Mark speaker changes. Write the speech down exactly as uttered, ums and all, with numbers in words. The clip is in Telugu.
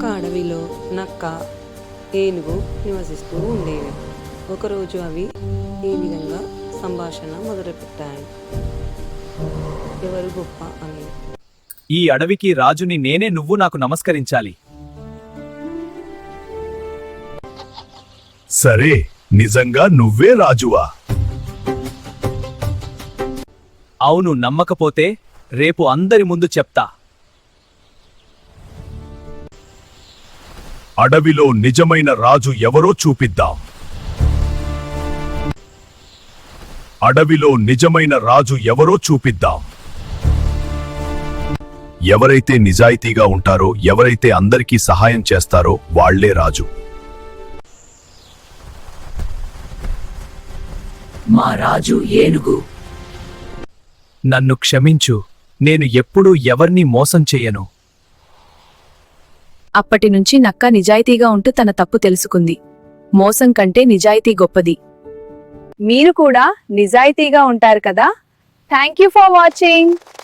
Speaker 1: ఒక అడవిలో నక్క, ఏనుగు నివసిస్తూ ఉండేవి. ఒకరోజు అవి ఈ విధంగా సంభాషణ మొదలుపెట్టాయి. ఎవరు గొప్ప అని.
Speaker 2: ఈ అడవికి రాజుని నేనే, నువ్వు నాకు నమస్కరించాలి.
Speaker 3: సరే, నిజంగా నువ్వే రాజువా?
Speaker 2: అవును, నమ్మకపోతే రేపు అందరి ముందు చెప్తా.
Speaker 3: అడవిలో నిజమైన రాజు ఎవరో చూపిద్దాం. అడవిలో నిజమైన రాజు ఎవరో చూపిద్దాం. ఎవరైతే నిజాయితీగా ఉంటారో, ఎవరైతే అందరికీ సహాయం చేస్తారో వాళ్లే రాజు.
Speaker 4: మా రాజు ఏనుగు.
Speaker 2: నన్ను క్షమించు, నేను ఎప్పుడూ ఎవర్నీ మోసం చెయ్యను.
Speaker 5: అప్పటినుంచి నక్క నిజాయితీగా ఉంటూ తన తప్పు తెలుసుకుంది. మోసం కంటే నిజాయితీ గొప్పది. మీరు కూడా నిజాయితీగా ఉంటారు కదా? Thank you for watching.